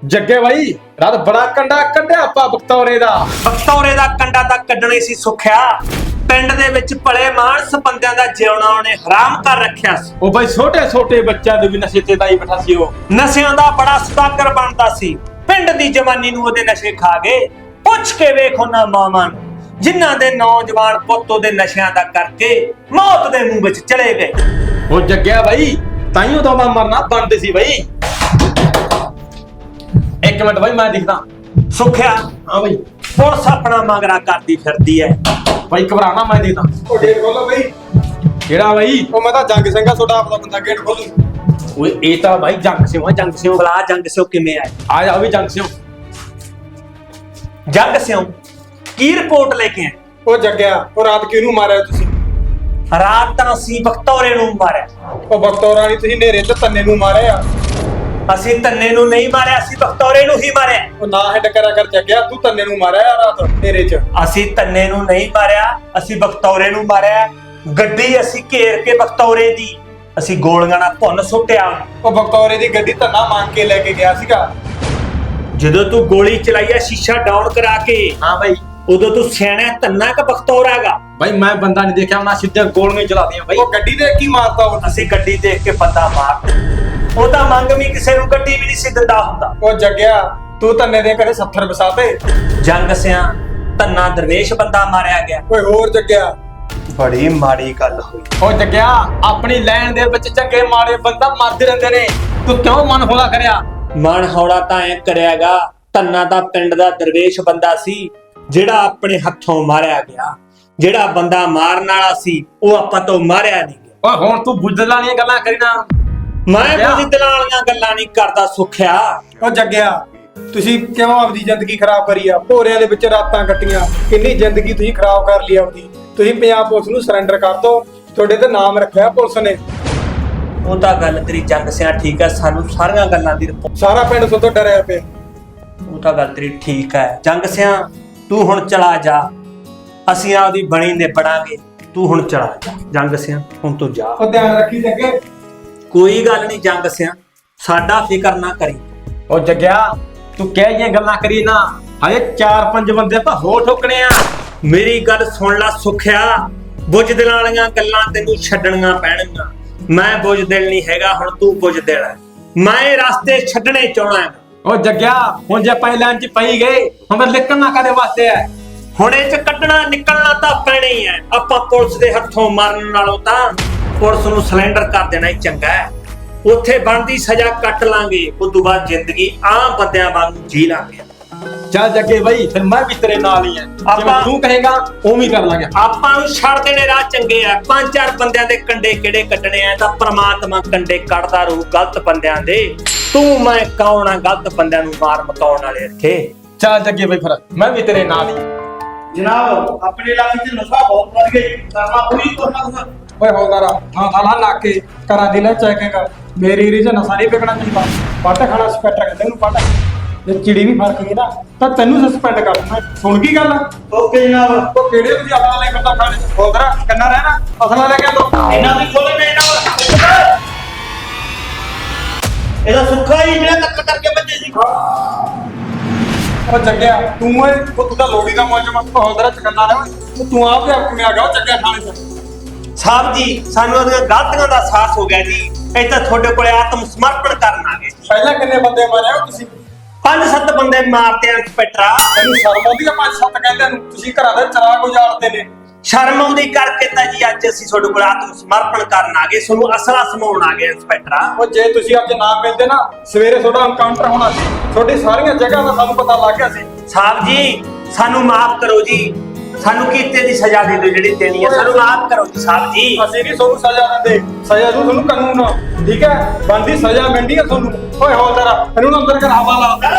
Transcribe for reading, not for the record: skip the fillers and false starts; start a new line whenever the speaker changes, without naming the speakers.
ਜੱਗੇ ਬਾਈ ਰਾਤ ਬੜਾ ਕੰਡਾ ਕੱਢਿਆ ਆਪਾਂ ਬਖਤੌਰੇ ਦਾ
ਕੰਡਾ ਤਾਂ ਕੱਢਣੇ ਸੀ ਸੁਖਿਆ। ਪਿੰਡ ਦੇ ਵਿੱਚ ਭਲੇ ਮਾਨਸ ਬੰਦਿਆਂ ਦਾ ਜਿਉਣਾ ਉਹਨੇ ਹਰਾਮ ਕਰ ਰੱਖਿਆ ਸੀ।
ਉਹ ਬਾਈ ਛੋਟੇ ਛੋਟੇ ਬੱਚਿਆਂ ਦੇ ਵੀ ਨਸ਼ੇ ਤੇ ਦਾਈ ਬੈਠਾ ਸੀ। ਉਹ
ਨਸ਼ਿਆਂ ਦਾ ਬੜਾ ਸਦਾਗਰ ਬਣਦਾ ਸੀ। ਪਿੰਡ ਦੀ ਜਵਾਨੀ ਨੂੰ ਉਹਦੇ ਨਸ਼ੇ ਖਾ ਗਏ। ਪੁੱਛ ਕੇ ਵੇਖ ਉਹਨਾਂ ਮਾਵਾਂ ਨੂੰ ਜਿਨ੍ਹਾਂ ਦੇ ਨੌਜਵਾਨ ਪੁੱਤ ਉਹਦੇ ਨਸ਼ਿਆਂ ਦਾ ਕਰਕੇ ਮੌਤ ਦੇ ਮੂੰਹ ਵਿੱਚ ਚਲੇ ਗਏ।
ਉਹ ਜੱਗਿਆ ਬਾਈ ਤਾਈਓ ਤਾਂ ਮੈਂ ਮਰਨਾ ਬਣਦੇ ਸੀ ਬਾਈ। ਇੱਕ ਮਿੰਟ ਬਾਈ ਮੈਂ ਦਿਖਦਾ।
ਸੁਖਿਆ
ਹਾਂ ਬਾਈ
ਪੁਲਿਸ ਆਪਣਾ ਮੰਗਰਾ ਕਰਦੀ ਫਿਰਦੀ ਐ।
ਬਾਈ ਘਬਰਾਣਾ ਮੈਂ ਦਿਖਦਾ।
ਉਹ ਗੇਟ ਖੋਲੋ ਬਈ।
ਕਿਹੜਾ ਬਾਈ?
ਉਹ ਮੈਂ ਤਾਂ ਜੰਗ ਸਿੰਘਾ ਤੁਹਾਡਾ ਆਪਦਾ ਬੰਦਾ, ਗੇਟ ਖੋਲੋ।
ਓਏ ਇਹ ਤਾਂ ਬਾਈ ਜੰਗ ਸਿਓ
ਬਲਾ ਜੰਗ ਸਿਓ ਕਿਵੇਂ ਆਏ?
ਆ ਜਾ ਵੀ ਜੰਗ ਸਿਓ।
ਜੰਗ ਸਿਓ ਕੀ ਰਿਪੋਰਟ ਲੈ ਕੇ ਆਏ?
ਉਹ ਜੱਗਿਆ ਉਹ ਰਾਤ ਕਿਹਨੂੰ ਮਾਰਿਆ ਤੁਸੀਂ?
ਰਾਤ ਤਾਂ ਅਸੀਂ ਬਖਤੌਰੇ ਨੂੰ ਮਾਰਿਆ।
ਉਹ ਬਖਤੌਰਾਂ ਨਹੀਂ, ਤੁਸੀਂ ਨੇਰੇ ਤੇ ਤੰਨੇ ਨੂੰ ਮਾਰਿਆ।
ਅਸੀਂ ਤੰਨੇ ਨੂੰ ਨਹੀਂ ਮਾਰਿਆ, ਅਸੀਂ ਬਖਤੌਰੇ ਨੂੰ ਹੀ ਮਾਰਿਆ।
ਉਹ ਨਾ ਹਿੱਟ ਕਰਿਆ ਕਰ ਜੱਗਿਆ, ਤੂੰ ਤੰਨੇ ਨੂੰ ਮਾਰਿਆ ਰਾਤ ਨੇਰੇ 'ਚ।
ਅਸੀਂ ਤੰਨੇ ਨੂੰ ਨਹੀਂ ਮਾਰਿਆ, ਅਸੀਂ ਬਖਤੌਰੇ ਨੂੰ ਮਾਰਿਆ। ਗੱਡੀ ਅਸੀਂ ਘੇਰ ਕੇ ਬਖਤੌਰੇ ਦੀ ਅਸੀਂ ਗੋਲੀਆਂ ਨਾਲ ਭੁੰਨ ਸੁੱਟਿਆ।
ਉਹ ਬਖਤੌਰੇ ਦੀ ਗੱਡੀ ਧੰਨਾ ਮੰਗ ਕੇ ਲੈ ਕੇ ਗਿਆ ਸੀਗਾ।
ਜਦੋਂ ਤੂੰ ਗੋਲੀ ਚਲਾਈ ਆ ਸ਼ੀਸ਼ਾ ਡਾਊਨ ਕਰਾ ਕੇ,
ਹਾਂ ਬਾਈ
ਉਦੋਂ ਤੂੰ ਸਿਆਣਾ ਧੰਨਾ ਕਿ ਬਖਤੌਰਾ ਹੈਗਾ?
ਬਾਈ ਮੈਂ ਬੰਦਾ ਨਹੀਂ ਦੇਖਿਆ, ਮੈਂ ਸਿੱਧੇ ਗੋਲੀਆਂ ਚਲਾਦੀਆਂ ਬਾਈ।
ਉਹ ਗੱਡੀ ਦੇ ਕੀ ਮਾਰਤਾ ਉਹ?
ਅਸੀਂ ਗੱਡੀ ਦੇਖ ਕੇ ਬੰਦਾ ਮਾਰ। ਉਹ ਤਾਂ ਮੰਗ ਵੀ ਕਿਸੇ ਨੂੰ ਗੱਡੀ ਵੀ ਨਹੀਂ ਸੀ ਦਿੰਦਾ ਹੁੰਦਾ।
ਉਹ ਜੱਗਿਆ ਤੂੰ ਤੰਨੇ ਦੇ ਘਰੇ 70 ਵਸਾਤੇ।
ਜੰਗ ਸਿਆਂ ਧੰਨਾ ਦਰਵੇਸ਼ ਬੰਦਾ ਮਾਰਿਆ ਗਿਆ।
ਓਏ ਹੋਰ ਜੱਗਿਆ
ਬੜੀ ਮਾੜੀ ਗੱਲ ਹੋਈ।
ਉਹ ਜੱਗਿਆ ਆਪਣੀ ਲਾਈਨ ਦੇ ਵਿੱਚ ਚੰਗੇ ਮਾੜੇ ਬੰਦਾ ਮਰਦੇ ਰਹਿੰਦੇ ਨੇ, ਤੂੰ ਕਿਉਂ ਮਨ ਹੌਲਾ ਕਰਿਆ?
ਮਨ ਹੌਲਾ ਤਾਂ ਐ ਕਰਿਆਗਾ, ਧੰਨਾ ਦਾ ਪਿੰਡ ਦਾ ਦਰਵੇਸ਼ ਬੰਦਾ ਸੀ ਜਿਹੜਾ ਆਪਣੇ ਹੱਥੋਂ ਮਾਰਿਆ ਗਿਆ। ਜਿਹੜਾ ਬੰਦਾ ਮਾਰਨ ਵਾਲਾ ਸੀ ਉਹ ਆਪਾਂ ਤੋਂ ਮਾਰਿਆ ਨਹੀਂ ਗਿਆ।
ਓਏ ਹੁਣ ਤੂੰ ਬੁੱਧਲਾਂ ਵਾਲੀਆਂ ਗੱਲਾਂ ਕਰੀ ਨਾ।
ਮੈਂ ਬੁੱਧਲਾਂ ਵਾਲੀਆਂ ਗੱਲਾਂ ਨਹੀਂ ਕਰਦਾ ਸੁਖਿਆ।
ਉਹ ਜੱਗਿਆ ਤੁਸੀਂ ਕਿਉਂ ਆਪਦੀ ਜ਼ਿੰਦਗੀ ਖਰਾਬ ਕਰੀ ਆ? ਭੋਰਿਆਂ ਦੇ ਵਿੱਚ ਰਾਤਾਂ ਕੱਟੀਆਂ, ਕਿੰਨੀ ਜ਼ਿੰਦਗੀ ਤੁਸੀਂ ਖਰਾਬ ਕਰ ਲਈ ਆਪਦੀ। ਤੁਸੀਂ ਪੰਜਾਬ ਪੁਲਿਸ ਨੂੰ ਸਰੈਂਡਰ ਕਰ ਦਿਓ, ਤੁਹਾਡੇ ਤੇ ਨਾਮ ਰੱਖਿਆ ਪੁਲਿਸ ਨੇ।
ਉਹ ਤਾਂ ਗੱਲ ਤੇਰੀ ਜੰਗ ਸਿਆਂ ਠੀਕ ਹੈ, ਸਾਨੂੰ ਸਾਰੀਆਂ ਗੱਲਾਂ ਦੀ ਰਿਪੋਰਟ।
ਸਾਰਾ ਪਿੰਡ ਤੋਂ ਡਰਿਆ ਪਿਆ।
ਉਹ ਤਾਂ ਗੱਲ ਤੇਰੀ ਠੀਕ ਹੈ ਜੰਗ ਸਿਆਂ, ਤੂੰ ਹੁਣ ਚਲਾ ਜਾ, ਅਸੀਂ ਆਪਦੀ ਬਣੀ ਨਿਬੜਾਂਗੇ। ਤੂੰ ਹੁਣ ਚਲਾ ਜਾ ਜੰਗ ਸਿਆਂ, ਹੁਣ ਤੂੰ ਜਾ।
ਉਹ ਧਿਆਨ ਰੱਖੀ ਜੱਗੇ।
ਕੋਈ ਗੱਲ ਨਹੀਂ ਜੰਗ ਸਿਆਂ, ਸਾਡਾ ਫਿਕਰ ਨਾ ਕਰੀ।
ਉਹ ਜੱਗਿਆ ਤੂੰ ਕਹਿ ਜੀਆਂ ਗੱਲਾਂ ਕਰੀ ਨਾ, ਹਜੇ 4-5 ਬੰਦੇ ਆਪਾਂ ਹੋਰ ਠੋਕਣੇ ਆ।
ਮੇਰੀ ਗੱਲ ਸੁਣ ਲੈ ਸੁਖਿਆ, ਬੁੱਝਦਿਲਾਂ ਵਾਲੀਆਂ ਗੱਲਾਂ ਤੈਨੂੰ ਛੱਡਣੀਆਂ ਪੈਣਗੀਆਂ। ਮੈਂ ਬੁੱਝਦਿਲ ਨਹੀਂ ਹੈਗਾ, ਹੁਣ ਤੂੰ ਬੁੱਝਦਿਲ ਹੈ। ਮੈਂ ਇਹ ਰਸਤੇ ਛੱਡਣੇ ਚਾਹਣਾ ਹੈ।
ਉਹ ਜੱਗਿਆ ਹੁਣ ਜੇ ਆਪਾਂ ਲਾਈਨ 'ਚ ਪਈ ਗਏ, ਹੁਣ ਨਿਕਲਣਾ ਕਾਦੇ ਵਾਸਤੇ ਹੈ?
ਹੁਣ ਇਹ 'ਚ ਕੱਢਣਾ ਨਿਕਲਣਾ ਤਾਂ ਪੈਣਾ ਹੀ ਹੈ। ਆਪਾਂ ਪੁਲਿਸ ਦੇ ਹੱਥੋਂ ਮਰਨ ਨਾਲੋਂ ਤਾਂ ਪੁਲਿਸ ਨੂੰ ਸਿਲੰਡਰ ਕਰ ਦੇਣਾ ਹੀ ਚੰਗਾ ਹੈ। ਉੱਥੇ ਬਣਦੀ ਸਜ਼ਾ ਕੱਟ ਲਾਂਗੇ, ਉਸ ਤੋਂ ਬਾਅਦ ਜ਼ਿੰਦਗੀ ਆਮ ਬੰਦਿਆਂ ਵਾਂਗੂ ਜੀ ਲਾਂਗੇ।
ਚੱਲ ਜੱਗੇ ਬਾਈ ਫਿਰ ਮੈਂ ਵੀ ਤੇਰੇ ਨਾਲ ਹੀ ਆ। ਜਿਵੇਂ ਤੂੰ ਕਹੇਗਾ ਉਵੇਂ ਹੀ ਕਰ ਲਾਂਗੇ।
ਆਪਾਂ ਨੂੰ ਛੱਡ ਦੇਣੇ ਰਾਹ ਚੰਗੇ ਆ। 5-4 ਬੰਦਿਆਂ ਦੇ ਕੰਡੇ ਕਿਹੜੇ ਕੱਢਣੇ ਆ? ਤਾਂ ਪ੍ਰਮਾਤਮਾ ਕੰਡੇ ਕੱਢਦਾ ਰਹੂ ਗਲਤ ਬੰਦਿਆਂ ਦੇ। ਤੂੰ ਮੈਂ ਕੌਣ ਆ ਗਲਤ ਬੰਦਿਆਂ ਨੂੰ ਮਾਰ ਮਕਾਉਣ ਵਾਲੇ ਇੱਥੇ?
ਚੱਲ ਜੱਗੇ ਬਾਈ ਫਿਰ ਮੈਂ ਵੀ ਤੇਰੇ ਨਾਲ ਹੀ।
ਜਨਾਬ ਆਪਣੇ ਇਲਾਕੇ 'ਚ ਨਸ਼ਾ ਬਹੁਤ ਵੱਧ ਗਿਆ ਜੀ, ਕਰਨਾ ਪੂਰੀ ਕਰਨਾ।
ਓਏ ਹੌਲਦਾਰਾ ਹਾਂ ਸਾਲਾ ਲਾ ਕੇ ਕਰਾਂ ਦੀ ਲੈ ਚੈਕਿੰਗ। ਮੇਰੀ ਰੀਜ ਨਸ਼ਾ ਨਹੀਂ ਵਿਕਣਾ ਚਾਹੀਦਾ। ਪੱਟ ਖਾਣਾ ਸਪੈਕਟਰ ਕਹਿੰਦੇ ਇਹਨੂੰ। ਪੱਟ ਜੇ ਚਿੜੀ ਵੀ ਫਰਕ ਗਈ ਨਾ ਤਾਂ ਤੈਨੂੰ ਸਸਪੈਂਡ ਕਰ ਦੂੰਗਾ। ਸੁਣ ਕੀ ਗੱਲ?
ਓਕੇ ਜਨਾਬ।
ਉਹ ਕਿਹੜੇ ਤੁਸੀਂ ਆਪਣਾ ਲੈ ਕਰਦਾ ਖਾਣੇ ਹੌਲਦਾਰਾ ਕੰਨਾ ਰਹਿਣਾ ਅਸਲਾ ਲੈ ਕੇ ਦੋ।
ਇਹਨਾਂ ਦੀ ਖੋਲੇ ਨੇ ਇਹਨਾਂ ਇਹਦਾ ਸੁੱਖਾ ਹੀ ਜਿਹੜਾ ਕੱਟ ਕਰਕੇ ਬੱਜੇ ਸੀ।
ਉਹ ਜੱਗਿਆ ਤੂੰ ਓਏ ਉਹ ਤਾਂ ਲੋੜੀ ਦਾ ਮੌਜਮ ਹੌਲਦਾਰਾ ਚਕੰਨਾ ਰਹਿ। ਤੂੰ ਆਪ ਆਪਣੇ ਆ ਗਿਆ ਚੱਕਿਆ ਖਾਣੇ ਚ।
ਸਾਹਿਬ ਜੀ ਸਾਨੂੰ ਉਹਦੀਆਂ ਗਲਤੀਆਂ ਦਾ ਅਹਿਸਾਸ ਹੋ ਗਿਆ ਜੀ। ਇਹ ਤਾਂ ਤੁਹਾਡੇ ਕੋਲੇ ਆਤਮ ਸਮਰਪਣ ਕਰਨ ਆ ਗਏ।
ਪਹਿਲਾਂ ਕਿੰਨੇ ਬੰਦੇ ਮਾਰੇ ਹੋ ਤੁਸੀਂ?
5-7 ਬੰਦੇ ਮਾਰਤੇ ਆ ਇੰਸਪੈਕਟਰਾ।
ਤੈਨੂੰ ਸ਼ਰਮ ਆਉਂਦੀ ਆ? 5-7 ਕਹਿੰਦੇ ਨੂੰ ਤੁਸੀਂ ਘਰਾਂ ਦੇ ਚਰਾਗ ਉਜਾੜਦੇ ਨੇ।
ਸ਼ਰਮ ਆਉਂਦੀ ਕਰਕੇ ਤਾਂ ਜੀ ਅੱਜ ਅਸੀਂ ਤੁਹਾਡੇ ਕੋਲ ਆਤਮ ਸਮਰਪਣ ਕਰਨ ਆ ਗਏ, ਤੁਹਾਨੂੰ ਅਸਲਾ ਸਮਾਉਣ ਆ ਗਏ ਇੰਸਪੈਕਟਰਾ।
ਉਹ ਜੇ ਤੁਸੀਂ ਅੱਜ ਨਾ ਮਿਲਦੇ ਨਾ ਸਵੇਰੇ ਤੁਹਾਡਾ ਐਨਕਾਊਂਟਰ ਹੋਣਾ ਸੀ। ਤੁਹਾਡੀ ਸਾਰੀਆਂ ਜਗ੍ਹਾ ਦਾ ਸਾਨੂੰ ਪਤਾ ਲੱਗ ਗਿਆ ਸੀ।
ਸਾਹਿਬ ਜੀ ਸਾਨੂੰ ਮਾਫ ਕਰੋ ਜੀ, ਸਾਨੂੰ ਕੀਤੇ ਦੀ ਸਜ਼ਾ ਦੇ ਦਿਓ ਜਿਹੜੀ ਦੇਣੀ ਹੈ। ਸਾਨੂੰ ਮਾਫ ਕਰੋ ਜੀ ਸਾਹਿਬ ਜੀ।
ਅਸੀਂ ਨਹੀਂ ਤੁਹਾਨੂੰ ਸਜ਼ਾ ਦਿੰਦੇ, ਸਜ਼ਾ ਦੂ ਤੁਹਾਨੂੰ ਕਾਨੂੰਨ। ਠੀਕ ਹੈ, ਬੰਦੀ ਸਜ਼ਾ ਮਿਲਦੀ ਹੈ ਤੁਹਾਨੂੰ। ਓਏ ਹੌਲਦਾਰਾ ਇਹਨੂੰ ਅੰਦਰ ਕਰ ਹਵਾਲਾ।